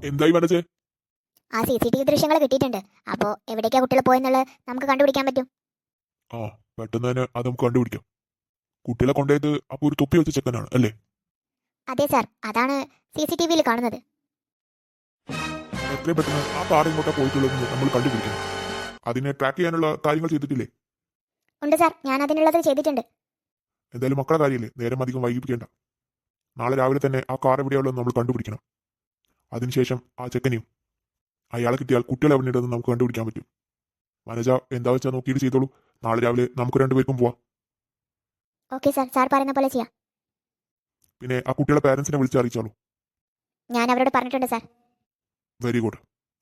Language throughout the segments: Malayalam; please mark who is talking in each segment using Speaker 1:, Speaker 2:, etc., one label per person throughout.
Speaker 1: എന്തായി മനസ്സേ?
Speaker 2: ആ CCTV ദൃശ്യങ്ങൾ കിട്ടിയിട്ടുണ്ട്. അപ്പോൾ എവിടേക്കാ കുട്ടികൾ പോയെന്നുള്ളത് നമുക്ക് കണ്ടുപിടിക്കാൻ പറ്റും.
Speaker 1: ആ, പെട്ടെന്ന് തന്നെ അത് നമുക്ക് കണ്ടുപിടിക്കാം. കുട്ടികളെ കൊണ്ടുപോയത് അപ്പൊ ഒരു തൊപ്പി വെച്ച ചെക്കനാണ് അല്ലേ?
Speaker 2: അതെ സാർ, അതാണ് CCTVയിൽ കാണുന്നത്.
Speaker 1: എത്രയും പെട്ടെന്ന് ആ കാർ ഇങ്ങോട്ടാ പോയിട്ടുള്ളതെന്ന് നമ്മൾ കണ്ടുപിടിക്കണം. അതിനെ ട്രാക്ക് ചെയ്യാനുള്ള കാര്യങ്ങൾ ചെയ്തിട്ടില്ലേ?
Speaker 2: ഉണ്ട് സാർ, ഞാൻ അതിനുള്ളത് ചെയ്തിട്ടുണ്ട്.
Speaker 1: എന്തായാലും മക്കളെ കാര്യമില്ലേ, നേരം അധികം വൈകിപ്പിക്കേണ്ട. നാളെ രാവിലെ തന്നെ ആ കാർ എവിടെയുള്ളതെന്ന് നമ്മൾ കണ്ടുപിടിക്കണം. അതിനുശേഷം ആ ചെക്കനെയും അയാളെ കിട്ടിയാൽ കുട്ടികളെ എവിടെ ഉണ്ടെന്ന് നമുക്ക് കണ്ടുപിടിക്കാൻ പറ്റും. മനജ എന്താ വെച്ചാൽ നോക്കിയിട്ട് ചെയ്തോളൂ. നാളെ രാവിലെ നമുക്ക് രണ്ടുപേർക്കും പോവാം.
Speaker 2: ഓക്കെ സാർ, സാർ പറയുന്ന പോലെ ചെയ്യാം.
Speaker 1: പിന്നെ ആ കുട്ടികളെ പാരന്റ്സിനെ വിളിച്ച് അറിയിച്ചാലോ?
Speaker 2: ഞാൻ അവരോട് പറഞ്ഞിട്ടുണ്ട് സാർ.
Speaker 1: Very good.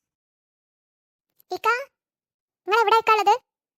Speaker 2: നിങ്ങൾ എവിടെ ഉള്ളത്?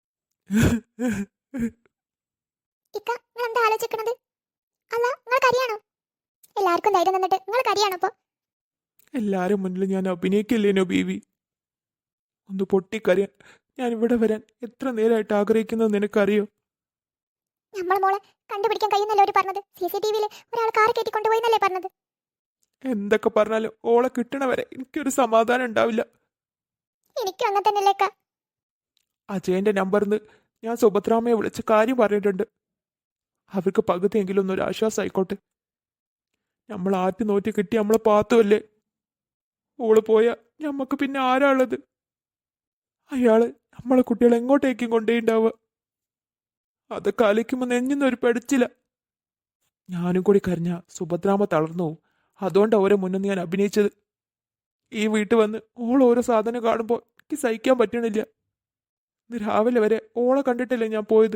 Speaker 2: നിങ്ങൾ എന്താ ആലോചിക്കണത്? അല്ല, നിങ്ങൾ കരിയാണോ? എല്ലാവർക്കും ധൈര്യം തന്നിട്ട് നിങ്ങൾ കരിയാണോ? ഇപ്പൊ
Speaker 3: എല്ലാരും മുന്നിൽ ഞാൻ അഭിനയിക്കില്ലേനോ ബീവി? ഒന്ന് പൊട്ടിക്കറിയാൻ ഞാൻ ഇവിടെ വരാൻ എത്ര നേരമായിട്ട് ആഗ്രഹിക്കുന്നത് നിനക്കറിയോ?
Speaker 2: നമ്മളെ മോളെ കണ്ടുപിടിക്കാൻ കഴിയുന്നല്ലേ അവര് പറഞ്ഞത്? CCTVയിൽ ഒരാൾ കാർ കയറ്റിക്കൊണ്ടുപോയി എന്നല്ലേ പറഞ്ഞത്?
Speaker 3: എന്തൊക്കെ പറഞ്ഞാലും ഓളെ കിട്ടണവരെ എനിക്കൊരു സമാധാനം ഉണ്ടാവില്ല.
Speaker 2: എനിക്കും അങ്ങനെ തന്നെയല്ലേക്കാ.
Speaker 3: അജയന്റെ നമ്പറിന്ന് ഞാൻ സുഭദ്രാമയെ വിളിച്ച് കാര്യം പറഞ്ഞിട്ടുണ്ട്. അവർക്ക് പകുതിയെങ്കിലും ഒന്നൊരു ആശ്വാസം ആയിക്കോട്ടെ. നമ്മൾ ആറ്റി നോറ്റി കിട്ടി നമ്മളെ പാത്തുമല്ലേ. ഓള് പോയാ ഞമ്മക്ക് പിന്നെ ആരാ ഉള്ളത്? അയാള് നമ്മളെ കുട്ടികളെ എങ്ങോട്ടേക്കും കൊണ്ടേണ്ടാവുക. അതൊക്കെ ആലോചിക്കുമ്പോൾ നെഞ്ഞിന്നൊരു പെടച്ചില്ല. ഞാനും കൂടി കരഞ്ഞ സുഭദ്രാമ തളർന്നു പോവും. അതുകൊണ്ട് ഓരോ മുന്നിൽ ഞാൻ അഭിനയിച്ചത്. ഈ വീട്ടിൽ വന്ന് ഓൾ ഓരോ സാധനം കാണുമ്പോൾ എനിക്ക് സഹിക്കാൻ പറ്റണില്ല. ഇന്ന് രാവിലെ വരെ ഓളെ കണ്ടിട്ടല്ലേ ഞാൻ പോയത്.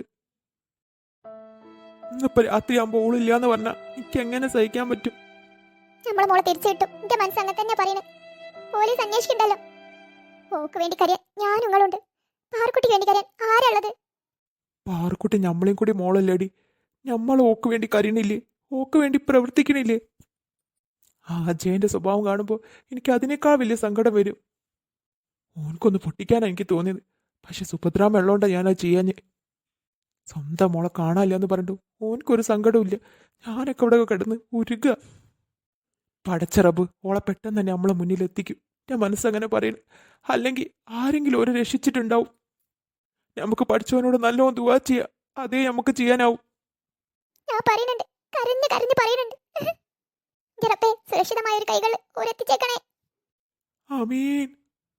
Speaker 3: ഇന്നിപ്പോ രാത്രിയാകുമ്പോൾ ഓളില്ലാന്ന് പറഞ്ഞാൽ എനിക്ക് എങ്ങനെ സഹിക്കാൻ പറ്റും?
Speaker 2: നമ്മളെ മോളെ തിരിച്ചു കിട്ടും. എന്റെ മനസ്സ് അങ്ങനെ തന്നെ പറയുന്നത്. പോലീസ് അന്വേഷിക്കണ്ടല്ലോ. ഓക്ക് വേണ്ടി കരയാൻ ഞാൻ നിങ്ങളുണ്ട്. പാർക്കുട്ടിക്ക് വേണ്ടി കരയാൻ ആരുള്ളത്?
Speaker 3: പാർക്കുട്ടി ഞമ്മളെയും കൂടി മോളല്ലേടി. ഞമ്മൾ ഓക്ക് വേണ്ടി കരയണില്ലേ? ഓക്ക് വേണ്ടി പ്രവർത്തിക്കണില്ലേ? ആ അജയന്റെ സ്വഭാവം കാണുമ്പോൾ എനിക്ക് അതിനേക്കാൾ വലിയ സങ്കടം വരും. ഓൻക്കൊന്ന് പൊട്ടിക്കാനാണ് എനിക്ക് തോന്നിയത്. പക്ഷെ സുഭദ്രാമ ഉള്ളോണ്ടാ ഞാനത് ചെയ്യാഞ്ഞ്. സ്വന്തം മോളെ കാണാനില്ല എന്ന് പറഞ്ഞിട്ട് ഓൻക്കൊരു സങ്കടവും ഇല്ല. ഞാനൊക്കെ ഇവിടെ കിടന്ന് ഉരുക. പടച്ച റബ്ബ് ഓളെ പെട്ടെന്ന് തന്നെ നമ്മളെ മുന്നിൽ എത്തിക്കും. എൻ്റെ മനസ്സങ്ങനെ പറയുന്നു. അല്ലെങ്കിൽ ആരെങ്കിലും ഒരു രക്ഷിച്ചിട്ടുണ്ടാവും. നമുക്ക് പഠിച്ചവനോട് നല്ലോണം ദുആ ചെയ്യാം. അതേ നമുക്ക് ചെയ്യാനാവും.
Speaker 2: ഞാൻ പറയുന്നുണ്ട്, കരഞ്ഞ് കരഞ്ഞ് പറയുന്നുണ്ട്. ജറപ്പേ, സുരക്ഷിതമായ ഒരു കൈകൾ ഓരെത്തിച്ചേക്കണേ.
Speaker 3: ആമീൻ.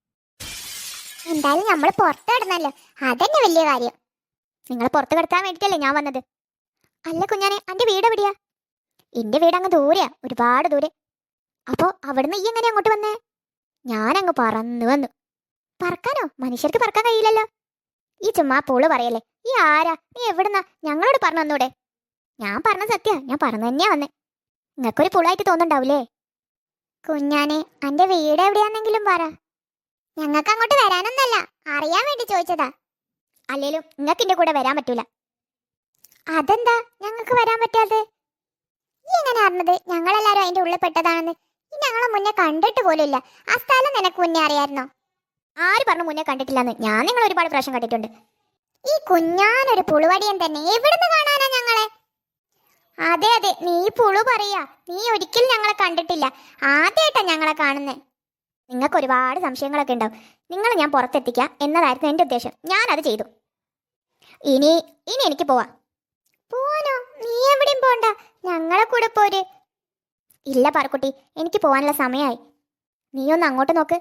Speaker 2: എന്തായാലും നമ്മൾ പുറത്ത് കിടന്നല്ലോ, അതന്നെ വലിയ കാര്യം. നിങ്ങൾ പുറത്ത് കിടത്താൻ വേണ്ടിട്ടല്ലേ ഞാൻ വന്നത്. അല്ല കുഞ്ഞാനെ, അന്റെ വീട് എവിടെയാ? എന്റെ വീട് അങ്ങ് ദൂരെയാ, ഒരുപാട് ദൂരെ. അപ്പോ അവിടുന്ന് ഈ എങ്ങനെ അങ്ങോട്ട് വന്നേ? ഞാനങ്ങ് പറന്നു വന്നു. പറക്കാനോ? മനുഷ്യർക്ക് പറക്കാൻ കഴിയില്ലല്ലോ. ഈ ചുമ്മാ പൂള് പറയല്ലേ. ഈ ആരാ? നീ എവിടുന്നാ? ഞങ്ങളോട് പറഞ്ഞു വന്നൂടെ? ഞാൻ പറഞ്ഞ സത്യ, ഞാൻ പറഞ്ഞു തന്നെയാ വന്നേ. നിങ്ങൾക്കൊരു പുളായിട്ട് തോന്നുന്നുണ്ടാവൂലേ? കുഞ്ഞാനെ, അന്റെ വീട് എവിടെയാന്നെങ്കിലും പറ. ഞങ്ങൾക്ക് അങ്ങോട്ട് വരാനൊന്നല്ല, അറിയാൻ വേണ്ടി ചോദിച്ചതാ. അല്ലേലും നിങ്ങൾക്ക് എന്റെ കൂടെ വരാൻ പറ്റൂല. അതെന്താ ഞങ്ങൾക്ക് വരാൻ പറ്റാതെ? ഈ എങ്ങനെ അറിഞ്ഞത് ഞങ്ങളെല്ലാരും അതിന്റെ ഉള്ളിൽ പെട്ടതാണെന്ന്? ഈ ഞങ്ങളെ മുന്നേ കണ്ടിട്ട് പോലുമില്ല. ആ സ്ഥലം നിനക്ക് മുന്നേ അറിയായിരുന്നോ? ആര് പറഞ്ഞു മുന്നേ കണ്ടിട്ടില്ലെന്ന്? ഞാൻ നിങ്ങൾ ഒരുപാട് പ്രാവശ്യം കണ്ടിട്ടുണ്ട്. ഈ കുഞ്ഞാനൊരു പുളുവടിയൻ തന്നെ. എവിടുന്ന് കാണാനാ ഞങ്ങളെ? അതെ അതെ, നീ പുളു പറയാ. നീ ഒരിക്കലും ഞങ്ങളെ കണ്ടിട്ടില്ല, ആദ്യമായിട്ടാ ഞങ്ങളെ കാണുന്നേ. നിങ്ങൾക്ക് ഒരുപാട് സംശയങ്ങളൊക്കെ ഉണ്ടാവും. നിങ്ങൾ ഞാൻ പുറത്തെത്തിക്കാം എന്നതായിരുന്നു എൻ്റെ ഉദ്ദേശം. ഞാനത് ചെയ്തു. ഇനി ഇനി എനിക്ക് പോവാം. പോവാനോ? നീ എവിടെയും പോണ്ട, ഞങ്ങളെ കൂടെ പോര്. ഇല്ല പാർക്കുട്ടി, എനിക്ക് പോവാനുള്ള സമയമായി. നീ ഒന്ന് അങ്ങോട്ട് നോക്ക്.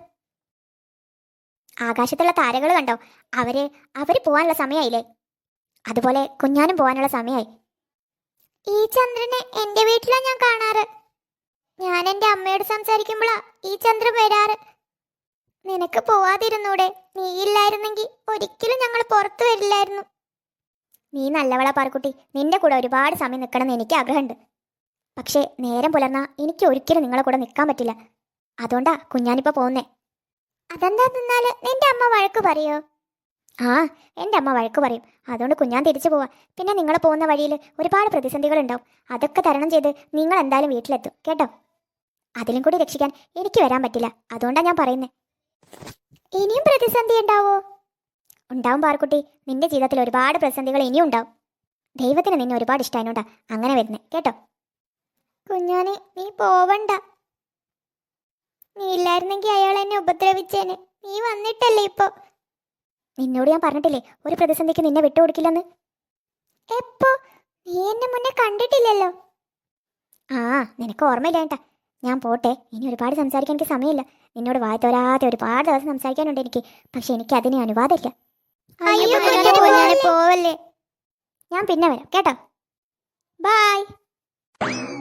Speaker 2: ആകാശത്തുള്ള താരകൾ കണ്ടോ? അവര് പോവാനുള്ള സമയമായില്ലേ? അതുപോലെ കുഞ്ഞാനും പോവാനുള്ള സമയമായി. ഈ ചന്ദ്രനെ എൻ്റെ വീട്ടിലാണ് ഞാൻ കാണാറ്. ഞാൻ എൻ്റെ അമ്മയോട് സംസാരിക്കുമ്പോഴാ ഈ ചന്ദ്രൻ വരാറ്. നിനക്ക് പോവാതിരുന്നൂടെ? നീ ഇല്ലായിരുന്നെങ്കിൽ ഒരിക്കലും ഞങ്ങൾ പുറത്തു വരില്ലായിരുന്നു. നീ നല്ലവളാ പാർക്കുട്ടി. നിന്റെ കൂടെ ഒരുപാട് സമയം നിൽക്കണമെന്ന് എനിക്ക് ആഗ്രഹമുണ്ട്. പക്ഷേ നേരം പുലർന്നാ എനിക്ക് ഒരിക്കലും നിങ്ങളെ കൂടെ നിൽക്കാൻ പറ്റില്ല. അതുകൊണ്ടാ കുഞ്ഞാനിപ്പോൾ പോകുന്നേ. അതെന്താ നിന്നാല് നിന്റെ അമ്മ വഴക്ക് പറയോ? ആ, എൻ്റെ അമ്മ വഴക്ക് പറയും. അതുകൊണ്ട് കുഞ്ഞാൻ തിരിച്ചു പോവാ. പിന്നെ നിങ്ങൾ പോകുന്ന വഴിയിൽ ഒരുപാട് പ്രതിസന്ധികൾ ഉണ്ടാവും. അതൊക്കെ തരണം ചെയ്ത് നിങ്ങൾ എന്തായാലും വീട്ടിലെത്തും കേട്ടോ. അതിലും കൂടി രക്ഷിക്കാൻ എനിക്ക് വരാൻ പറ്റില്ല. അതുകൊണ്ടാണ് ഞാൻ പറയുന്നത്. ഇനിയും പ്രതിസന്ധി ഉണ്ടാവോ? ഉണ്ടാവും പാർക്കുട്ടി. നിന്റെ ജീവിതത്തിൽ ഒരുപാട് പ്രതിസന്ധികൾ ഇനിയും ഉണ്ടാവും. ദൈവത്തിന് നിന്നെ ഒരുപാട് ഇഷ്ടമായതുകൊണ്ടാ അങ്ങനെ വരുന്നത് കേട്ടോ. കുഞ്ഞാനെ, നീ പോവണ്ട. നീ ഇല്ലായിരുന്നെങ്കിൽ അയാൾ എന്നെ ഉപദ്രവിച്ചേനെ. നീ വന്നിട്ടല്ലേ ഇപ്പൊ. നിന്നോട് ഞാൻ പറഞ്ഞിട്ടില്ലേ ഒരു പ്രതിസന്ധിക്ക് നിന്നെ വിട്ടുകൊടുക്കില്ലെന്ന്. എപ്പോ? നീ എന്നെ മുന്നേ കണ്ടിട്ടില്ലല്ലോ. ആ, നിനക്ക് ഓർമ്മയില്ല കേട്ടാ. ഞാൻ പോട്ടെ, ഇനി ഒരുപാട് സംസാരിക്കാൻ എനിക്ക് സമയമില്ല. നിന്നോട് വായ തോരാതെ ഒരുപാട് ദിവസം സംസാരിക്കാനുണ്ട് എനിക്ക്. പക്ഷെ എനിക്ക് അതിന് അനുവാദമില്ല. പോവല്ലേ. ഞാൻ പിന്നെ വരാം കേട്ടോ. ബൈ.